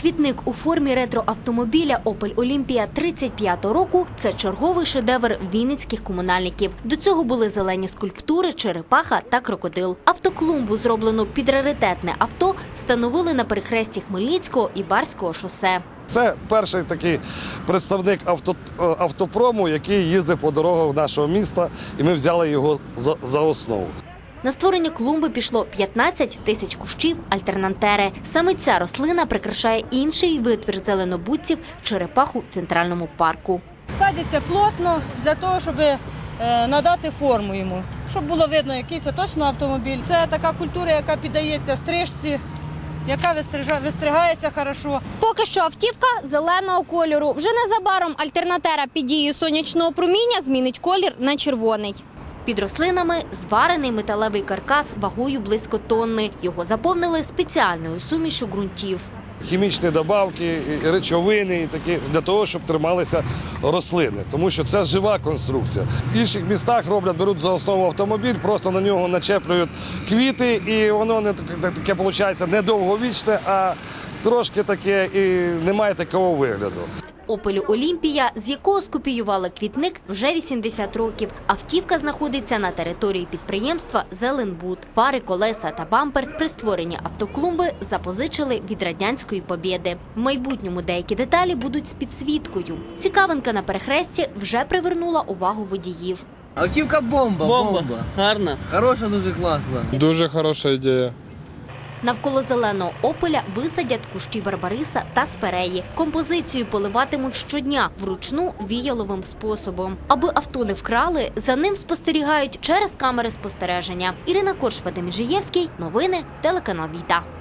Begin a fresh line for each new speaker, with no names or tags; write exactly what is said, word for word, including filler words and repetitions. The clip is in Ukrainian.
Квітник у формі ретроавтомобіля «Опель Олімпія» тридцять п'ятого року – це черговий шедевр вінницьких комунальників. До цього були зелені скульптури, черепаха та крокодил. Автоклумбу, зроблену під раритетне авто, встановили на перехресті Хмельницького і Барського шосе.
Це перший такий представник авто, автопрому, який їздить по дорогах нашого міста, і ми взяли його за, за основу.
На створення клумби пішло п'ятнадцять тисяч кущів альтернантери. Саме ця рослина прикрашає інший витвір зеленобутців – черепаху в центральному парку.
Садиться плотно для того, щоб надати форму йому, щоб було видно, який це точно автомобіль. Це така культура, яка піддається стрижці, яка вистригається хорошо.
Поки що автівка зеленого кольору. Вже незабаром альтернатера під дією сонячного проміння змінить колір на червоний.
Під рослинами зварений металевий каркас вагою близько тонни. Його заповнили спеціальною сумішю ґрунтів.
Хімічні добавки, речовини такі для того, щоб трималися рослини, тому що це жива конструкція. В інших містах роблять, беруть за основу автомобіль, просто на нього начеплюють квіти, і воно не таке виходить не довговічне, а трошки таке і не має такого вигляду.
«Опелю Олімпія», з якого скопіювали квітник, вже вісімдесят років. Автівка знаходиться на території підприємства «Зеленбуд». Фари, колеса та бампер при створенні автоклумби запозичили від радянської «Побєди». В майбутньому деякі деталі будуть з підсвіткою. Цікавинка на перехресті вже привернула увагу водіїв.
Автівка бомба,
бомба.
бомба.
Гарна.
Хороша, дуже класна.
Дуже хороша ідея.
Навколо зеленого «Опеля» висадять кущі барбариса та спиреї. Композицію поливатимуть щодня вручну віяловим способом. Аби авто не вкрали, за ним спостерігають через камери спостереження. Ірина Корш, Вадим Іжиєвський. Новини, телеканал «Віта».